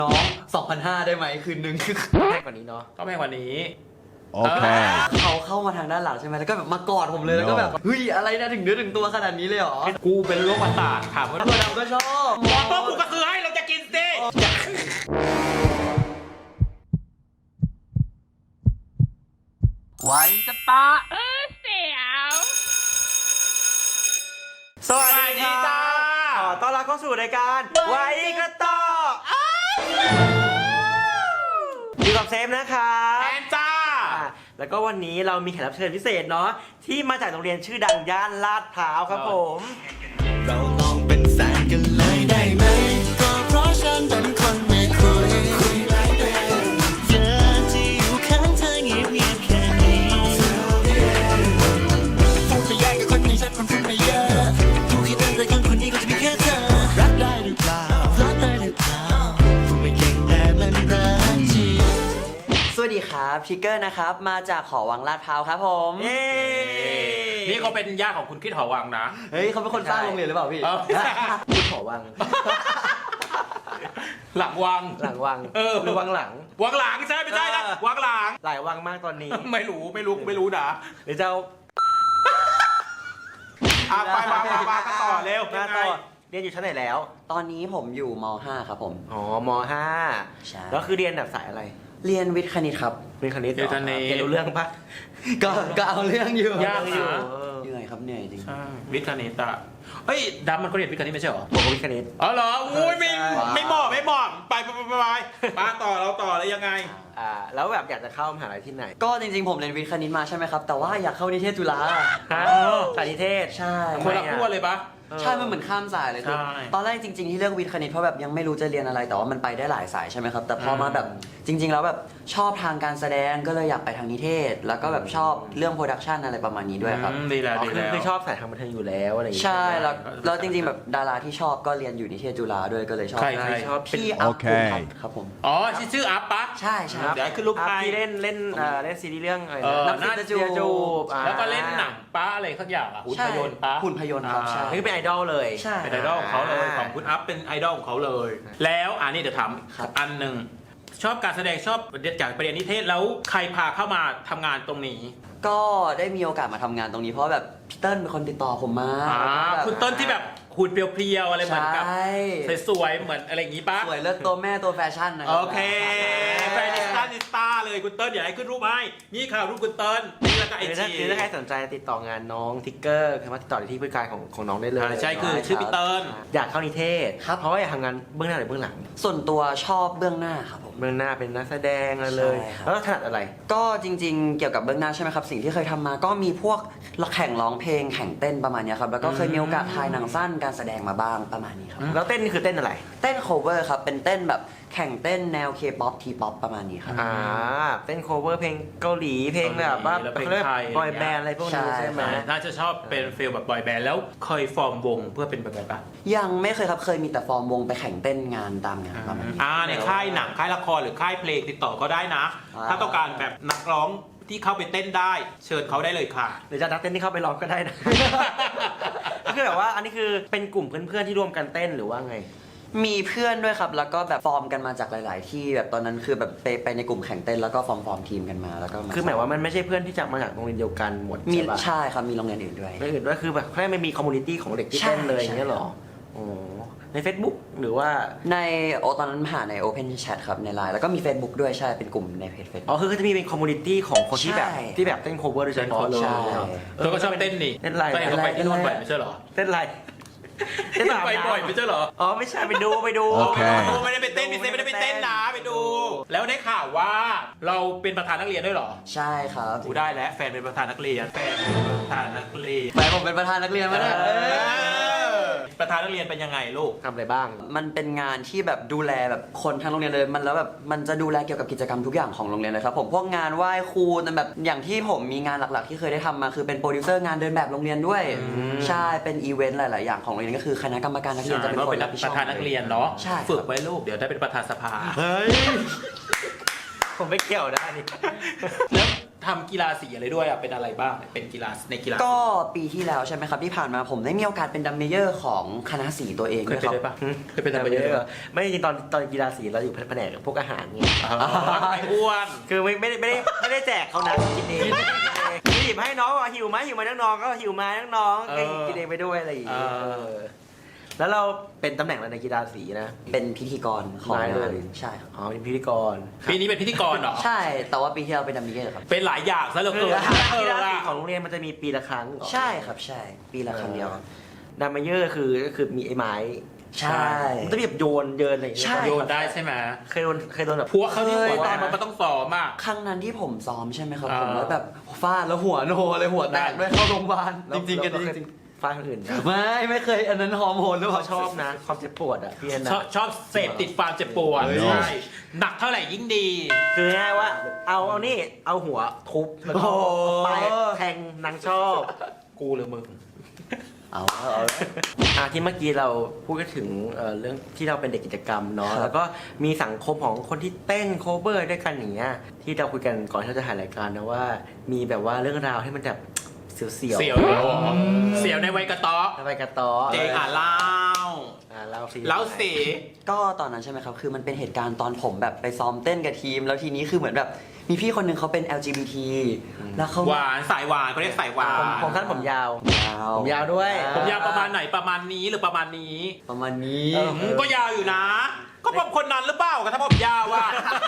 น้อง 2,500 ได้ไหมคืนนึงแพงกว่านี้เนาะก็แพงกว่านี้โอเคเขาเข้ามาทางด้านหลังใช่ไหมแล้วก็แบบมากอดผมเลยแล้วก็แบบเฮ้ยอะไรนะถึงเนื้อถึงตัวขนาดนี้เลยเหรอกูเป็นโรคประสาทถามว่าตัวดำก็ชอบหมอโต้กูก็ซื้อให้เราจะกินสิไว้จะปะเสียวสวัสดีจ้าขอต้อนรับเข้าสู่รายการไว้กระต่ออยู่กับเซฟนะคะแอนจ้าแล้วก็วันนี้เรามีแขกรับเชิญพิเศษเนาะที่มาจากโรงเรียนชื่อดังย่านลาดพร้าวครับผมเราลองเป็นแฟนกันเลยได้ไหมก็เพราะฉันเป็นคนไม่คุยหลายเรื่องเธอที่อยู่ข้างเธอเงียบๆแค่นี้พูดไปแยกกับคนที่ฉันมันพูดไปเยอะดูแค่นั้นแต่ยังคนนี้ก็จะมีแค่เธอรักได้หรือเปล่ารักได้หรือเปล่าพูดไม่เก่งแต่มันรักจริงสวัสดีครับชิคเกอร์นะครับมาจากหอวังลาดพร้าวครับผมเย้นี่เขาเป็นญาติของคุณคิดหอวังนะเฮ้ยเขาเป็นคนสร้างโรงเรียนหรือเปล่าพี่เออคุณหอวังหลังวังหลังวังเออหรือวังหลังวังหลังใช่ไม่ใช่นะวังหลังหลายวังมากตอนนี้ไม่รู้นะหรือจะเอาไปมากันต่อเร็วมาต่อเรียนอยู่ชั้นไหนแล้วตอนนี้ผมอยู่ม .5 ครับผมอ๋อมใช่ .5 แล้วคือเรียนแบบสายอะไรเรียนวิทย์คณิตครับเรียนคณิตหรอเรียนคณิตเรียนรู้เรื่องปะก็เอาเรื่องอยู่ยากอยู่เหนื่อยครับเหนื่อยจริงใช่วิทย์คณิตอะเฮ้ยดำมันเขาเรียนวิทย์คณิตไม่ใช่เหรอผมก็วิทย์คณิตอ๋อเหรออุ้ยไม่ใช่ไม่เหมาะไปมาต่อเราต่อแล้วยังไงแล้วแบบอยากจะเข้ามหาลัยที่ไหนก็จริงๆผมเรียนวิทย์คณิตมาใช่ไหมครับแต่ว่าอยากเข้านิเทศจุฬาฮะสายนิเทศใช่คนละขั้วเลยปะใช่มันเหมือนข้ามสายเลยคือใช่ตอนแรกจริงๆที่เลือกวิทย์คณิตเพราะแบบยังไม่รู้จะเรียนอะไรแต่ว่ามันไปได้หลายสายใช่ไหมครับแต่พอมาแบบจริง ๆ แล้วแบบชอบทางการแสดงก็เลยอยากไปทางนิเทศ แล้วก็แบบชอบเรื่องโปรดักชันอะไรประมาณนี้ด้วยครับดีแล้วอ๋อดีคือแล้วคือชอบสายทางบันเทิงอยู่แล้วอะไรอย่างเงี้ยใช่แล้วจริงๆแบบดาราที่ชอบก็เรียนอยู่นิเทศจุฬาด้วยก็เลยชอบใครชอบพี่โออัพเคภูมิพัฒน์ครับผมอ๋อชื่ออัพปะใช่ใช่เดี๋ยวให้ขึ้นรูปอ่ะใครที่เล่นซีรีส์เรื่องอะไรน้ำน้ำซิซิดดจะจูบแล้วก็เล่นหนังป้าอะไรสักอย่างอ่ะหุ่นใช่พยนต์ป้าหุ่นพยนต์ครับใช่นี่เป็นไอดอลเลยใช่เป็นไอดอลของเขาเลยของคุณอัพเป็นไอดอลของเขาเลย แล้วอันนี้เดี๋ยวถามครับอันหนึ่งชอบการแสดงชอบจากประเด็นนิเทศแล้วใครพาเข้ามาทำงานตรงนี้ก็ได้มีโอกาสมาทำงานตรงนี้เพราะแบบพี่เติ้ลเป็นคนติดต่อผมมาแล้วก็แบบคุณต้นที่แบบหุ่นเปรียวๆอะไรเหมือนกับใช่สวยๆเหมือนอะไรอย่างงี้ปะสวยเลิศตัวแม่ตัวแฟชั่นนะครัโอเคแฟนนิสต้าเลยคุณเติ้ลอย่าให้ขึ้นรูปให้นี่ค่ะรูปคุณเติ้ลนี่แล้วก็ไอหรือจีถ้าใครสนใจติดต่องานน้องทิกเกอร์สามารถติดต่อได้ที่ผู้จัดการของน้องได้เลยใช่คือชื่อพี่เติ้ลอยากเข้านิเทศเพราะว่าอยากทำงานเบื้องหน้าหรือเบื้องหลังส่วนตัวชอบเบื้องหน้าครับผมเบื้องหน้าเป็นนักแสดงอะไรเลยใช่ครับแล้วถนัดอะไรก็จริงๆ เกี่ยวกับเบื้องหน้าใช่ไหมครับสิ่งที่เคยทำมาก็มีพวกแข่งร้องเพลงแข่งเต้นประมาณเนี้ยครับแล้วก็เคยมีโอกาสถ่ายหนังสั้นการแสดงมาบ้างประมาณนี้ครับแล้วเต้นนี่คือเต้นอะไรเต้นโคเวอร์ครับเป็นเต้นแบบแข่งเต้นแนว K-POP T-POP ประมาณนี้ครับเต้นโคเวอร์เพลงเกาหลีเพลงแบบว่าแล้วเพลงเขาเรียกไทยบอยแบนด์อะไรพวกนี้ใช่ใช่ไหมน่าจะชอบเป็นฟีลแบบบอยแบนด์แล้วเคยฟอร์มวงเพื่อเป็นแบบไหนปะยังไม่เคยครับเคยมีแต่ฟอร์มวงไปแข่งเต้นงานตามงานประมาณนี้ในค่ายหนังค่ายละครหรือค่ายเพลงติดต่อก็ได้นะอ่าถ้าต้องการแบบนักร้องที่เข้าไปเต้นได้ เชิญเขาได้เลยค่ะหรือจะนักเต้นที่เข้าไปร้องก็ได้นะ ก็คือแบบว่าอันนี้คือเป็นกลุ่มเพื่อนๆที่ร่วมกันเต้นหรือว่าไงมีเพื่อนด้วยครับแล้วก็แบบฟอร์มกันมาจากหลาย ๆ ที่แบบตอนนั้นคือแบบไปในกลุ่มแข่งเต้นแล้วก็ฟอร์มทีมกันมาแล้วก็คือหมายว่ามันไม่ใช่เพื่อนที่จะมาจากโรงเรียนเดียวกันหมดมีใช่ปะใช่ครับมีโรงเรียนอื่นด้วยไม่อื่นด้วยคือแบบแค่ไม่มีคอมมูนิตี้ของเด็กที่ใช่เต้นเลยใช่อย่างเงี้ยเหรอโอ้ใน Facebook หรือว่าในตอนนั้นหาใน Open Chat ครับใน Line แล้วก็มี Facebook ด้วยใช่เป็นกลุ่มในเพจ Facebook อ๋อคือจะมีเป็นคอมมูนิตี้ของคนที่แบบใช่ที่แบบเต้นโคเวอร์โดยเฉพาะเลยใช่เธอก็ชอบเต้นนี่เต้นไรไปไหนก็ไปที่นู่นบ่อยไม่ใช่เหรอเต้นไรเต้นไปบ่อยไม่ใช่เหรออ๋อไม่ใช่ไปดูโอเคไม่ได้ไปเต้นไม่ได้ไปเต้นนะไปดู แล้วได้ข่าวว่าเราเป็นประธานนักเรียนด้วยเหรอใช่ครับกูได้แล้วแฟนเป็นประธานนักเรียนแฟนเป็นประธานนักเรียนแฟนผมเป็นประธานนักเรียนมาเนี่ยประธานนักเรียนเป็นยังไงลูกทำอะไรบ้างมันเป็นงานที่แบบดูแลแบบคนทั้งโรงเรียนเลยมันแล้วแบบมันจะดูแลเกี่ยวกับกิจกรรมทุกอย่างของโรงเรียนเลยครับผมพวกงานไหว้ครูแต่แบบอย่างที่ผมมีงานหลักๆ ที่เคยได้ทำมาคือเป็นโปรดิวเซอร์งานเดินแบบโรงเรียนด้วยใช่เป็นอีเวนต์หลายๆอย่างของโรงเรียนก็คือคณะกรรมการนักเรียนจะเป็นก็คนเป็นรับผิดปชอบระธานนักเรียนเนาะใช่ครับฝึกไว้ลูกเดี๋ยวได้เป็นประธานสภาเฮ้ยผมไม่เกี่ยวนะอันนี้แล้วทำกีฬาสีอะไรด้วยอ่ะเป็นอะไรบ้างเป็นกีฬาในกีฬาก็ปีที่แล้วใช่ไหมครับที่ผ่านมาผมได้มีโอกาสเป็นดัมเมเยอร์ของคณะสีตัวเองเคด้ยวยเป็นครับด้วยปะเคยเป็นอะไรเยอะไม่จริงๆตอนกีฬาสีเราอยู่แผนกพวกอาหารไงไอ้อ้วนคือไม่ได้แจกเขานะกินเองหยิบให้น้องว่าหิวไหมน้องๆก็หิวมาน้องๆก็กินเองไปด้วยอะไรอย่างเงี้ยแล้วเราเป็นตำแหน่งอะไรในกีฬาสีนะเป็นพิธีกรของได้งาเลนยใช่ครับอ๋อเป็นพิธีกรปีนี้เป็นพิธีกรเหรอใช่แต่ว่าปีที่เราเป็นดัมเมเยอร์ครับเป็นหลายอย่างซะเหลือคือเกินกีฬาสีอะของโรงเรียนมันจะมีปีละครั้งเหรอใช่ครับใช่ปีละครั้งเดียวดัมเมเยอร์ก็คือมีไอ้ไม้ใช่มันจะแบบโยนเยินอะไรอย่างเงี้ยใช่โยนได้ใช่ไหมเคยโดนแบบพวกเขาที่หัวตอนมันต้องซ้อมอ่ะครั้งนั้นที่ผมซ้อมใช่ไหมครับอ่าผมแล้วแบบฟาดแล้วหัวโนเลยหัวแตกด้วยเข้าโรงพยาบาลแล้วจริงๆกันแล้วจริงฟาดคนอื่นนะๆไม่เคยอันนั้นฮอร์โมนหรือเปล่าชอบนะความเจ็บปวดอ่ะพี่แอนนะชอบเสพติดความเจ็บปวดเฮ้ยใช่หนักเท่าไหร่ยิ่งดีคือง่ายว่าเอานี่เอาหัวทุบแล้วก็ไปแทงนางชอบกูหรือมึงเอาที่เมื่อกี้เราพูดกันถึงเรื่องที่เราเป็นเด็กกิจกรรมเนาะครับแล้วก็มีสังคมของคนที่เต้นโคเวอร์ด้วยกันอย่างเงี้ยที่เราคุยกันก่อนที่เราจะถ่ายรายการนะว่ามีแบบว่าเรื่องราวที่มันแบบเสียวเสียวเหรอเสียวในวัยกระต๊อกทำไมกระต้อเจงเล่าเล่าสิเล่าสิก็ตอนนั้นใช่ไหมครับ คือมันเป็นเหตุการณ์ตอนผมแบบไปซ้อมเต้นกับทีม แล้วทีนี้คือเหมือนแบบมีพี่คนหนึ่งเขาเป็น LGBT แล้วเขาหวานสายหวานเขาเรียกสายหวานผมสั้นผมยาวยาวผมยาวด้วยผมยาวประมาณไหนประมาณนี้หรือประมาณนี้ประมาณนี้ก็ยาวอยู่นะ ก็ผมคนนั้นหรือเปล่ากับถ้าผมยาวอ่ะ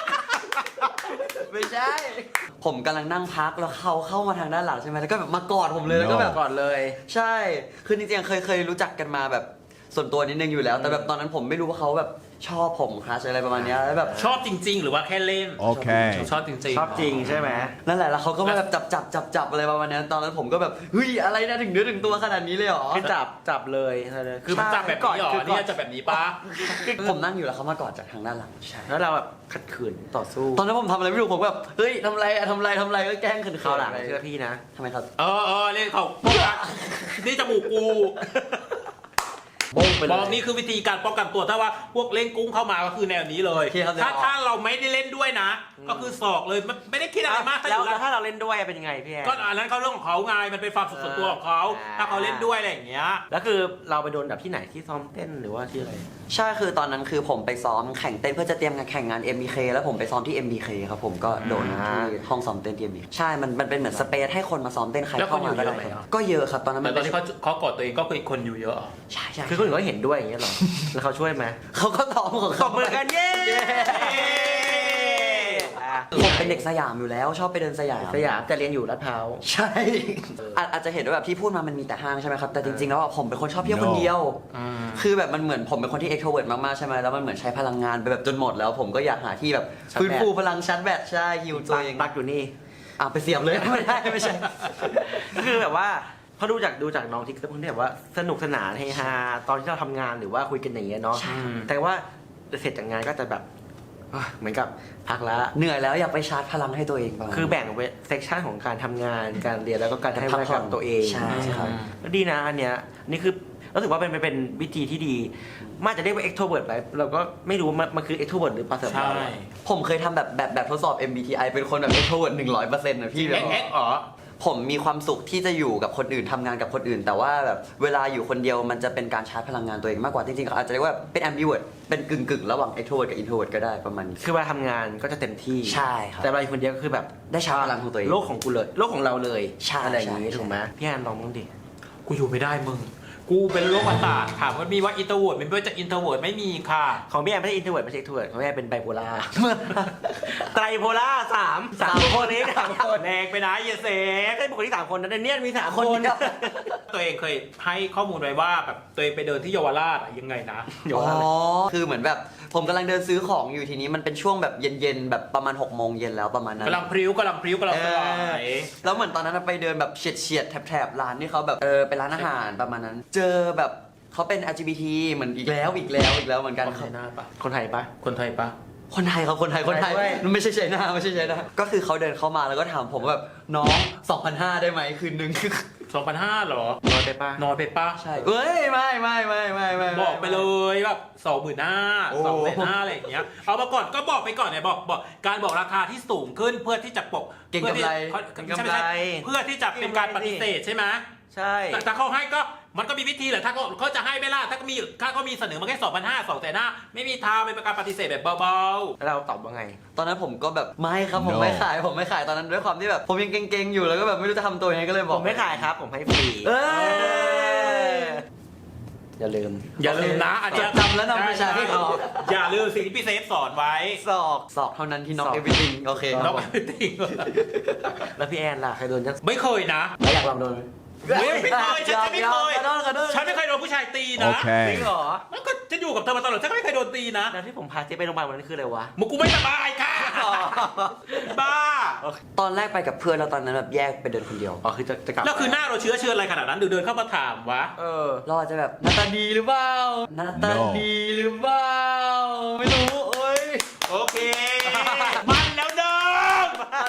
ไม่ใช่ ผมกำลังนั่งพักแล้วเขาเข้ามาทางด้านหลังใช่ไหมแล้วก็แบบมากอดผมเลยแล้วก็แบบก่อนเลยใช่ คือจริงๆเคยรู้จักกันมาแบบส่วนตัวนิดนึงอยู่แล้ว แต่แบบตอนนั้นผมไม่รู้ว่าเขาแบบชอบผมครัชอะไรประมาณเนี้ยแล้วแบบชอบจริง ๆ หรือว่าแค่เล่น Okay. ชอบจริงๆชอบจริงใช่ไหมนั่นแหละแล้วเขาก็มาแบบจับอะไรประมาณเนี้ยตอนนั้นผมก็แบบเฮ้ยอะไรนะถึงเนื้อถึงตัวขนาดนี้เลยเหรอคือจับเลยคือมันจับแบบนี้เหรอคือก่เนี่อยจะแบบนี้ปะผมนั่งอยู่แล้วเขามากอดจากทางด้านหลังใช่แล้วเราแบบขัดขืนต่อสู้ตอนนั้นผมทำอะไรไม่รู้ผมแบบเฮ้ยทำอะไรก็แกล้งเขินๆเข้าหลังไปเชื่อพี่นะทำไมครับเออเล่นเขานี่จมูกกูโบ้งไปเลยบอกนี่คือวิธีการป้องกันตัวถ้าว่าพวกเล่นกุ้งเข้ามาก็คือแนวนี้เลยโอเคครับถ้าเราไม่ได้เล่นด้วยนะ ก็คือศอกเลยไม่ได้คิดอะไรมากถ้าอแล้วยู่แล้วถ้าเราเล่นด้วยเป็นยังไงพี่แอนก็อันนั้นเขาเรื่องของเขาไงมันเป็นความสุขส่วนตัวของเขาถ้าเขาเล่นด้วยอะไรอย่างเงี้ยแล้วคือเราไปโดนแบบที่ไหนที่ซ้อมเต้นหรือว่าที่อะไรใช่คือตอนนั้นคือผมไปซ้อมแข่งเต้นเพื่อจะเตรียมงานแข่งงาน MBK แล้วผมไปซ้อมที่ MBK ครับผมก็โดนที่ห้องซ้อมเต้นที่ MBK ใช่มันเป็นเหมือนสเปซให้คนมาซ้อมเต้นใครแล้วเข้าคนอยู่มาก็เยได้อะไหมอ่ะก็เยอะครับตอนนั้นแต่มันตอนที่เขากดตัวเองก็คือคนอยู่เยอะใช่คือคนอื่นก็เห็นด้วยอย่างเงี้ยเหรอ แล้วเขาช่วยไหมเขาก็ซ้อมของตเขาบมือกันเย้ผมเป็นเด็กสยามอยู่แล้วชอบไปเดินสยามสยามแต่เรียนอยู่ลาดพร้าวใช่อาจจะเห็นว่าแบบที่พูดมามันมีแต่ห้างใช่ไหมครับแต่จริงๆแล้วอะผมเป็นคนชอบเที่ยวคนเดียว คือแบบมันเหมือนผมเป็นคนที่ extrovert มากๆใช่ไหมแล้วมันเหมือนใช้พลังงานไปแบบจนหมดแล้ว ผมก็อยากหาที่แบบฟื้นฟูพลังชาร์จแบตใช่ฮิวตัวเองตักอยู่นี่ไปเสียบเลย ไม่ใช่คือแบบว่าพอดูจากน้องที่เขาแบบว่าสนุกสนานเฮฮาตอนที่เราทำงานหรือว่าคุยกันอย่างเงี้ยเนาะใช่แต่ว่าเสร็จจากงานก็จะแบบเหมือนกับพักละเหนื่อยแล้วอยากไปชาร์จพลังให้ตัวเองบ้างคือแบ่งเซกชันของการทำงานการเรียนแล้วก็การให้เวลากับตัวเองใช่ครับก็ดีนะอันเนี้ยนี่คือรู้สึกว่าเป็นวิธีที่ดีมากจะเรียกว่า extrovert ไปเราก็ไม่รู้มันคือ extrovert หรือ passive ใช่ผมเคยทำแบบทดสอบ MBTI เป็นคนแบบ extrovert 100%นะพี่แบบเอ็กอ๋อผมมีความสุขที่จะอยู่กับคนอื่นทำงานกับคนอื่น แต่ว่าแบบเวลาอยู่คนเดียวมันจะเป็นการชาร์จพลังงานตัวเองมากกว่าจริงๆเขาอาจจะเรียกว่าเป็น ambivert เป็นกึ่งระหว่าง extrovert กับ introvert ก็ได้ประมาณนี้คือเวลาทำงานก็จะเต็มที่ใช่ครับแต่เวลาอยู่คนเดียวก็คือแบบได้ชาร์จพลังของตัวเองโลกของกูเลยโลกของเราเลยใช่อะไรอย่างนี้ใช่ถูกไหมพี่แอนลองบ้างดิกูอยู่ไม่ได้มึง กูเป็นโรคประสาทถามว่ามีว่าอินโทรเวิร์ดไม่ว่าจะอินโทรเวิร์ดไม่มีค่ะของพี่แอนไม่ใช่ introvert ไม่ใช่ extrovert ของพี่แอนเป็นไบโพล่า ไตรโพล่าสามคนนี้สามคนแรงไปนะเยเซฟไม่ใช่บุคคลที่สามคนนะในเนี่ยมีสามคคน นเดียวตัวเองเคยให้ข้อมูลไว้ว่าแบบตัวเองไปเดินที่เยาวราชอะยังไงนะอยู่อ๋อว่าอะไรคือเหมือนแบบผมกำลังเดินซื้อของอยู่ทีนี้มันเป็นช่วงแบบเย็นๆแบบประมาณ6 โมงเย็นแล้วประมาณนั้นกำลังพริ้วกำลังสลายแล้วเหมือนตอนนั้นไปเดินแบบเฉียดแถบร้านที่เขาแบบเป็นร้านอาหารประมาณนั้น เจอแบบเขาเป็น LGBT เหมือนอีกแล้วเหมือนกันคนไทยหน้าปะคนไทยปะคนไทยปะคนไทยครับคนไทยไม่ใช่ไชน่าก็คือเขาเดินเข้ามาแล้วก็ถามผมว่าแบบน้อง 2,500 ได้ไหมคืนนึง 2,500เหรอนอนไปปะนอนไปปะใช่เอ้ยไม่บอกไปเลยแบบ25,000 2,500อะไรอย่างเงี้ยเอามาก่อนก็บอกไปก่อนเนี่ยบอกการบอกราคาที่สูงขึ้นเพื่อที่จะปกเก่งกำไรใช่เพื่อที่จะเป็นการปฏิเสธใช่ไหมใช่แต่ถ้าเขาให้ก็มันก็มีวิธีแหละถ้าเขาจะให้ไม่ล่ะถ้าก็มีเสนอมาแค่2,500 2,500ไม่มีทางเป็นการปฏิเสธแบบเบาแล้วเราตอบว่าไงตอนนั้นผมก็แบบไม่ครับผมไม่ขายตอนนั้นด้วยความที่แบบผมยังเก่งๆอยู่แล้วก็แบบไม่รู้จะทำตัวยังไงก็เลยบผอกมไม่ขายครับผมให้ฟรีเอ้ยอย่าลืมๆอย่าลืมนะอันเนี้ยจำแล้วนำไปใช้อย่าลืมสิ่งที่พี่เซฟสอนไว้ศอกเท่านั้นที่น็อกศอก everything โอเคน้องไม่ติงแล้วพี่แอนล่ะเคยโดนจังไม่เคยนะแล้วอยากลองโดนไหมไม่เคยฉันไม่เคยขอโทษฉันไม่เคยโดนผู้ชายตีนะจริงเหรอแล้วก็จะอยู่กับเธอมาตลอดฉันก็ไม่เคยโดนตีนะแล้วที่ผมพาเจ๊ไปโรงพยาบาลวันนั้นคืออะไรวะมึงกูไม่สบายค่ะบ้าตอนแรกไปกับเพื่อนแล้วตอนนั้นแบบแยกไปเดินคนเดียวอ๋อคือจะกลับแล้วคือหน้าเราเชื้อเชิญอะไรขนาดนั้นเดินเข้ามาถามวะเราอาจจะแบบหน้าตาดีหรือเปล่าหน้าตาดีหรือเปล่าไม่รู้เอ้ยโอเค มันแล้วเดิม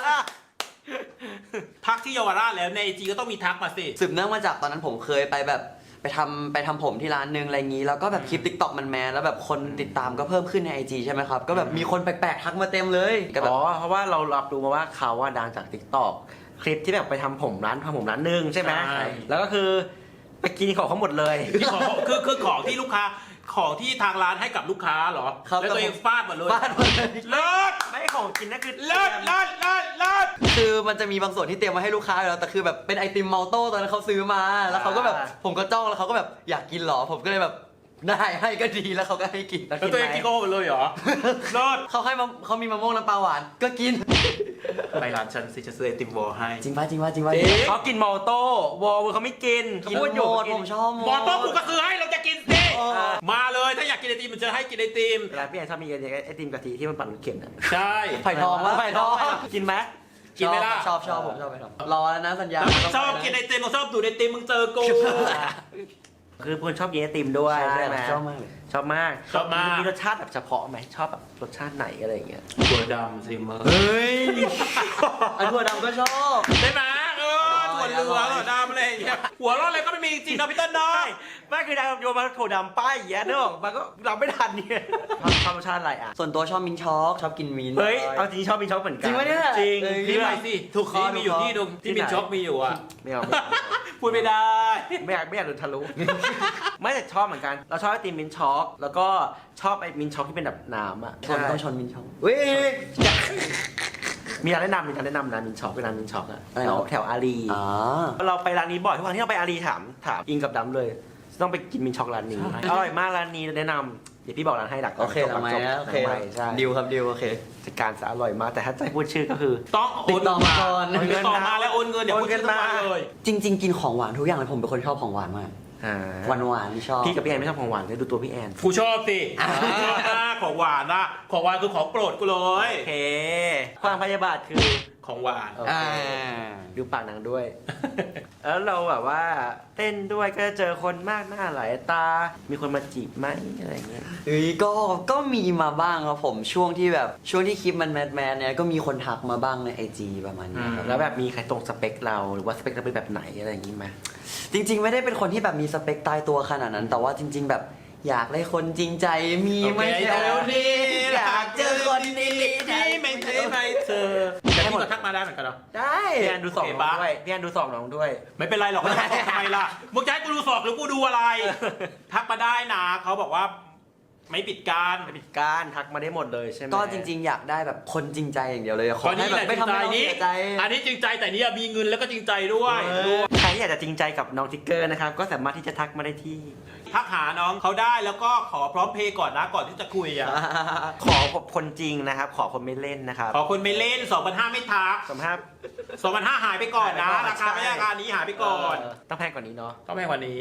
ทักที่เยาวราชแล้วในไอจีก็ต้องมีทักมาสิสืบเนื่องมาจากตอนนั้นผมเคยไปแบบไปทำผมที่ร้านนึงอะไรงี้แล้วก็แบบคลิป TikTok มันแมสแล้วแบบคนติดตามก็เพิ่มขึ้นใน IG ใช่ไหมครับ ก็แบบมีคนแปลกๆทักมาเต็มเลยก็แบบอ๋อเพราะว่าเรารับรู้มาว่าเขาว่าดังจาก TikTok คลิปที่แบบไปทำผมร้านนึงใช่ไหมแล้วก็คือไปกินของเขาหมดเลยที่ของคือของที่ลูกค้าของที่ทางร้านให้กับลูกค้าเหรอครับแล้วตัวเองฟาดหมดเลยฟาดหมดเลยเลิศไม่ของกินนั่นคือเลิศคือมันจะมีบางส่วนที่เตรียมมาให้ลูกค้าอยู่แล้วแต่คือแบบเป็นไอติมมัลโต้ตอนนั้นเขาซื้อมาแล้วเขาก็แบบผมก็จ้องแล้วเขาก็แบบอยากกินเหรอผมก็เลยแบบได้ให้ก็ดีแล้วเขาก็ให้กินแล้วตัวเองกินโก้หมดเลยเหรอเลิศเขามีมะม่วงน้ำปลาหวานก็กินไปร้านฉันสิจะซื้อไอติมวอลให้จริงป่ะเขากินมอลโต้วอลเขาไม่กินกินหมดผมชอบหมดบอลโต้กูก็ซื้อให้เราจะกินสิมาเลยถ้าอยากกินไอติมมันจะให้กินไอติมเวลาพี่แอนชอบมีไอติมกะทิที่มันปั่นรถเข็นอ่ะใช่ไผ่ทองวะไผ่ทองกินไหมกินไหมล่ะชอบผมชอบไผ่ทองรอแล้วนะสัญญาแล้วมึงชอบกินไอติมมึงชอบดูดไอติมมึงเจอกูคือเพื่อนชอบกินไอติมด้วยใช่ไหมชอบมากเลยชอบมากมีรสชาติแบบเฉพาะไหมชอบแบบรสชาติไหนอะไรอย่างเงี้ยถั่วดำซิมเมอร์เฮ้ยอันถั่วดำก็ชอบได้ไหมถั่วเหลืองถั่วดำอะไรอย่างเงี้ยหัวเร้อนอะไรก็ไม่มีจริงๆนะพี่ต้นน้อยไม่คือดาวโยนมาโถดำป้ายอย่างเงี้ยเนอะมันก็เราไม่ทันเนี่ยชอบรสชาติอะไรอ่ะส่วนตัวชอบมินช็อกชอบกินมินเฮ้ยเอาจริงชอบมีช็อกเหมือนกันจริงปะเนี่ยจริงนี่ไปสิถูกคอมีอยู่ที่นึงที่มินช็อกมีอยู่อ่ะไม่เอาพูดไม่ได้ไม่อยากโดนทะลุ ไม่แต่ชอบเหมือนกัน เราชอบไอติมมินช็อกแล้วก็ชอบไอมินช็อกที่เป็นแบบน้ำอ่ะคนต้องชนมินช็อกเว้ยมีร้านแนะนำนะมินช็อกเป็นร้านมินช็อกอะอะไรแถเหรวอแถวอารีอ๋อเราไปร้านนี้บ่อยทุกครั้งที่เราไปอารีถามอิงกับดำเลย ต้องไปกินมินช็อกร้านนี้อร่อยมากร้านนี้แนะนำเดี๋ยวพี่บอกร้านให้หลักโอเคหลังไม้นะโอเคใช่ดิวครับดิวโอเคจัดการซะอร่อยมากแต่ถ้าจะให้พูดชื่อก็คือต้องติดต่อมาก่อนติดต่อมาแล้วโอนเงินเดี๋ยวพูดชื่อทุกวันเลยจริง ๆ กินของหวานทุกอย่างเลยผมเป็นคนชอบของหวานมากหวานชอบพี่กับพี่แอนไม่ชอบของหวานเลยดูตัวพี่แอนกูชอบสิชอบมากของหวานนะของหวานคือของโปรดกูเลยโอเคความพยาบาทคือของหวานโอเคดูปากนางด้วย แล้วเราแบบว่าเต้นด้วยก็เจอคนมากหน้าหลายตา มีคนมาจีบไหมอะไรเงี้ยก็มีมาบ้างครับผมช่วงที่คลิปมันแมสเนี่ยก็มีคนทักมาบ้างใน IG ประมาณนี้ครับแล้วแบบมีใครตรงสเปคเราหรือว่าสเปคเราเป็นแบบไหนอะไรอย่างงี้ไหมจริง ๆ ไม่ได้เป็นคนที่แบบมีสเปคตายตัวขนาดนั้น แต่ว่าจริง ๆ แบบอยากได้คนจริงใจมีไหมโอเคเดี๋ยวนี้อยากเจอคนดีที่ไม่ใช่ไม่เธอแต่พี่ก็ทักมาได้เหมือนกันเหรอได้พี่แอนดูสองน้องด้วยพี่แอนดูสองน้องด้วยไม่เป็นไรหรอกไม่ต้องทำไมล่ะมึงจะให้กูดูสอบหรือกูดูอะไร ทักมาได้นะเขาบอกว่าไม่ปิดการปิดการทักมาได้หมดเลยใช่ไหมก็จริง ๆ อยากได้แบบคนจริงใจอย่างเดียวเลยขตออนนี้ให้แหแบบละไม่ทำให้เรานี้เสียใจอันนี้จริงใจแต่นี่มีเงินแล้วก็จริงใจด้วยใครอยากจะจริงใจกับน้องทิกเกอร์นะครับก็สามารถที่จะทักมาได้ที่ทักหาน้องเขาได้แล้วก็ขอพร้อมเพย์ก่อนนะก่อนที่จะคุยอ่ะขอคนจริงนะครับ ขอคนไม่เล่นนะครับขอคนไม่เล่น 2,500 ไม่ทักสมภาพ 2,500 หายไปก่อนนะ ราคาไม่ใช่ราคานี้หายไปก่อนต้องแพงกว่านี้เนาะต้องแพงกว่านี้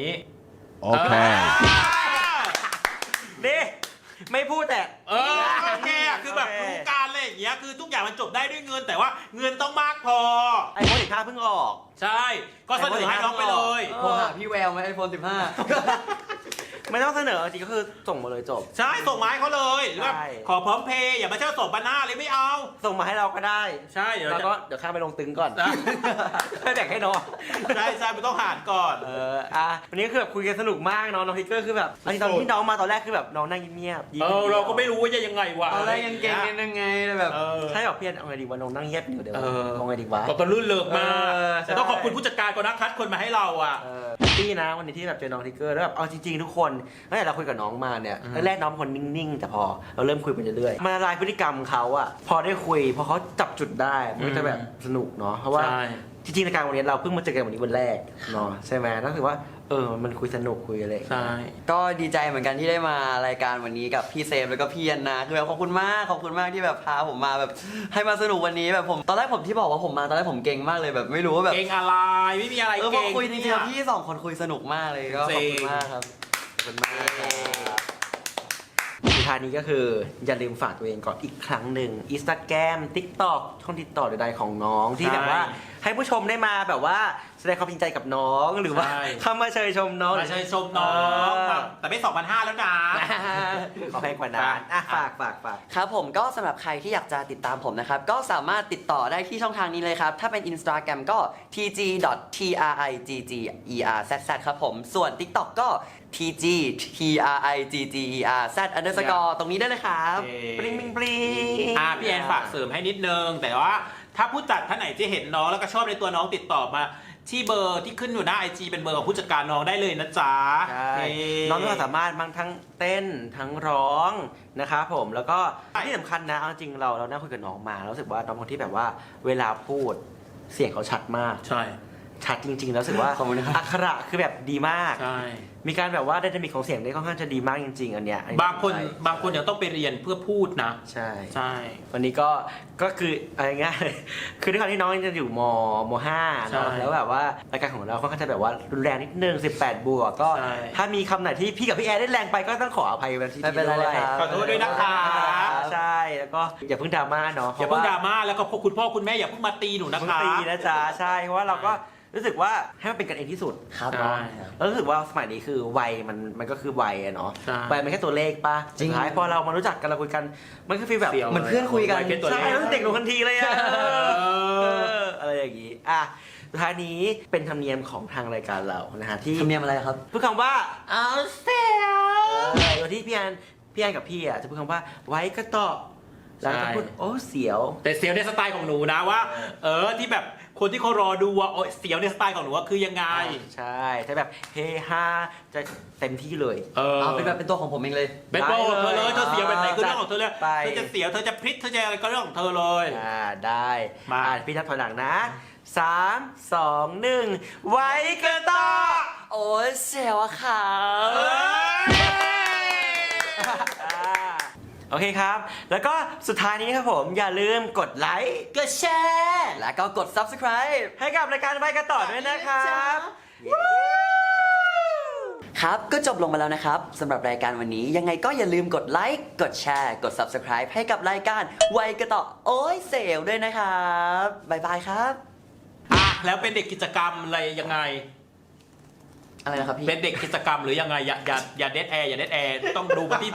Okay. นี่ไม่พูดแต่โอเคอะคือแบบรู้การอะไรอย่างเงี้ยคือทุกอย่างมันจบได้ด้วยเงินแต่ว่าเงินต้องมากพอไอโฟน15เพิ่งออกใช่ ก็เสนอให้น้องไปเลยโทรหาพี่แววไหมไอโฟน15 ไม่ต้องเสนอจริงก็คือส่งมาเลยจบใช่ส่งมาให้เขาเลยหรือว่าใช่ขอพร้อมเพย์อย่ามาเช่าส่งบานาเลยไม่เอาส่งมาให้เราก็ได้ใช่เดี๋ยวแล้วจะก็เดี๋ยวข้ามไปลงตึงก่อนนะให้แบ่งให้น้องใช่ใช่ไม่ต้องหารก่อนวันนี้คือแบบคุยกันสนุกมากเนาะน้องทิกเกอร์คือแบบตอนที่น้องมาตอนแรกคือแบบน้องนั่งเงียบๆยิ้มเราก็ไม่รู้ว่าจะยังไงวะตอนแรกยังเก่งกันยังไงเลยแบบใช่แบบพี่เอาไงดีวะน้องนั่งเงียบอยู่เดี๋ยวเออเอาไงดีวะตอนลื่นเลิกมากใช่แต่ต้องขอบคุณผู้จัดการก่อนนะคัดคนมาให้เราอ่ะแฮปปี้นะวันนี้ที่แบบเจอน้องทิกเกอร์แล้วแบบเอาจริงๆทุกคนตั้งแต่เราคุยกับน้องมาเนี่ยแรกๆน้องเป็นคนนิ่งๆแต่พอเราเริ่มคุยไปเรื่อยๆมันละลายพฤติกรรมเขาอะพอได้คุยพอเขาจับจุดได้มันก็จะแบบสนุกเนาะเพราะว่าใช่จริงๆในการวันนี้เราเพิ่งมาเจอกันวันนี้วันแรกเนาะใช่ไหมรู้สึกว่ามันคุยสนุกคุยอะไรอย่างเงี้ยใช่ก็ดีใจเหมือนกันที่ได้มารายการวันนี้กับพี่เซฟแล้วก็พี่อันนาคือแบบขอบคุณมากที่แบบพาผมมาแบบให้มาสนุกวันนี้แบบผมตอนแรกผมที่บอกว่าผมมาตอนแรกผมเก่งมากเลยแบบไม่รู้ว่าแบบเก่งอะไรไม่มีอะไรพอเก่งคุยจริงๆพี่สองคนคุยสนุกมากเลยก็ขอบคุณมากครับขอบคุณมากสุดท้ายนี้ก็คืออย่าลืมฝากตัวเองก่อนอีกครั้งหนึ่ง Instagram TikTok ช่องติดต่อใดๆของน้องที่แบบว่าให้ผู้ชมได้มาแบบว่าแสดงความจริงใจกับน้องหรือว่าเข้ามาเชยชมน้องมาเชิญชมน้องครับแต่ไม่ 2,500 แล้วนะขอแพงกว่านั้นฝากครับผมก็สำหรับใครที่อยากจะติดตามผมนะครับ ก็สามารถติดต่อได้ที่ช่องทางนี้เลยครับ ถ้าเป็น Instagram ก็ tg.triggerzzz ครับผมส่วน TikTok ก็ tg.triggerz_ ตรงนี้ได้เลยครับปริงปริงพี่แอนฝากเสริมให้นิดนึง แต่ว่าถ้าผู้จัดท่านไหนที่เห็นน้องแล้วก็ชอบในตัวน้องติดต่อมาที่เบอร์ที่ขึ้นอยู่หน้า IG เป็นเบอร์ของผู้จัดการน้องได้เลยนะจ๊ะใช่น้องมีความสามารถทั้งเต้นทั้งร้องนะครับผมแล้วก็ที่สำคัญนะเอาจริงเรานั่งคุยกับน้องมาแล้วรู้สึกว่าน้องคนที่แบบว่าเวลาพูดเสียงเขาชัดมากใช่ชัดจริงๆแล้วรู้สึกว่าขอบคุณนะครับอักขระคือแบบดีมากใช่มีการแบบว่าไดนามิกของเสียงได้ค่อนข้างจะดีมากจริงๆอันเนี้ยบางคนยังต้องไปเรียนเพื่อพูดนะใช่ใช่วันนี้ก็คืออะไรง่ายๆคือด้วยความที่น้องจะอยู่ม.5 เนอะแล้วแบบว่ารายการของเราค่อนข้างจะแบบว่ารุนแรงนิดนึง18 บวกก็ถ้ามีคำไหนที่พี่กับพี่แอร์ได้แรงไปก็ต้องขออภัยวันที่ไม่เป็นไรเลยครับขอโทษด้วยนะคะใช่แล้วก็อย่าเพิ่งดราม่าเนาะอย่าเพิ่งดราม่าแล้วก็คุณพ่อคุณแม่อย่าเพิ่งมาตีหนูนะเพิ่งคะตีนะจ๊ะใช่เพราะว่าเราก็รู้สึกว่าให้มันเป็นกันเองที่สุดครับใช่แล้วรู้สึกว่าสมัยนี้คือวัยมันก็คือวัยอะเนาะใช่วัยมันแค่ตัวเลขป่ะจริงสุดท้ายพอเรามารู้จักกันเราคุยกันมันก็ฟีลแบบเหมือนเพื่อนคุยกันไว้แค่ตัวเลใช่ขรู้สึกเด็กลงทันทีเลยอะอะไรอย่างงี้สุดท้ายนี้เป็นธรรมเนียมของทางรายการเรานะฮะที่ธรรมเนียมอะไรครับพูดคำว่าเอาเสียโดยที่พี่แอนกับพี่อะจะพูดคำว่าไว้ก็ต่อแล้วก็พูดโอ้เสียวแต่เสียวในสไตล์ของหนูนะว่า ที่แบบคนที่เขารอดูว่าโอ้ยเสียวในสไตล์ของหนูว่าคือยังไงใช่จะแบบเฮฮาจะเต็มที่เลยเอาเป็นแบบเป็นตัวของผมเองเลยเป็นโปรของเธอเลยเธอเสียวแบบไหนคือเรื่องของเธอเลยไปเธอจะเสียวเธอจะพลิกเธอจะอะไรก็เรื่องของเธอเลยได้มาพี่นับถอยหลังนะ 3 2 1 ไว้ก็ต่อโอ้ยเสียวอะค่ะโอเคครับ แล้วก็สุดท้ายนี้ครับผมอย่าลืมกดไลค์กดแชร์และก็กด subscribe ให้กับรายการไว้ก็ต่อด้วยนะครับครับก็จบลงมาแล้วนะครับสำหรับรายการวันนี้ยังไงก็อย่าลืมกดไลค์กดแชร์กด subscribe ให้กับรายการไวกระต่อโอ้ยเซลด้วยนะครับบ๊ายบายครับแล้วเป็นเด็กกิจกรรมอะไรยังไงอะไรนะครับพี่เป็นเด็กกิจกรรมหรือยังไงอย่าเดทแอร์อย่าเดทแอร์ต้องดูไปที่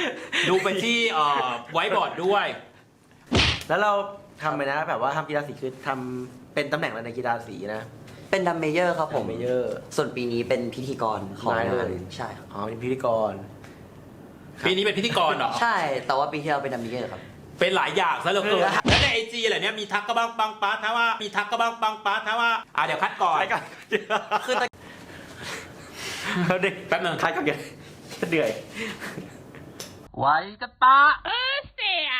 ไวท์บอร์ดด้วยแล้วเราทำไปนะแบบว่าทำกีฬาสีคือทำเป็นตำแหน่งอะไรในกีฬาสีนะเป็นดัมเมเยอร์ครับผมดัมเมเยอร์ส่วนปีนี้เป็นพิธีกรของได้งาเลนยใช่ครับอ๋อเป็นพิธีกรปีนี้เป็นพิธีกรเหรอใช่แต่ว่าปีที่แล้วเป็นดัมเมเยอร์ครับเป็นหลายอย่างซะเหลือเกินแล้วในไอจีอะไรเนี่ยมีทักก็บ้างปังปาถ้าว่ามีทักก็บ้างปังปาถ้าว่าเดี๋ยวคัดก่อนใครกันคือตะเขาเด็กแป๊บนึงใครกันเหนื่อยไว้กระตาเสีย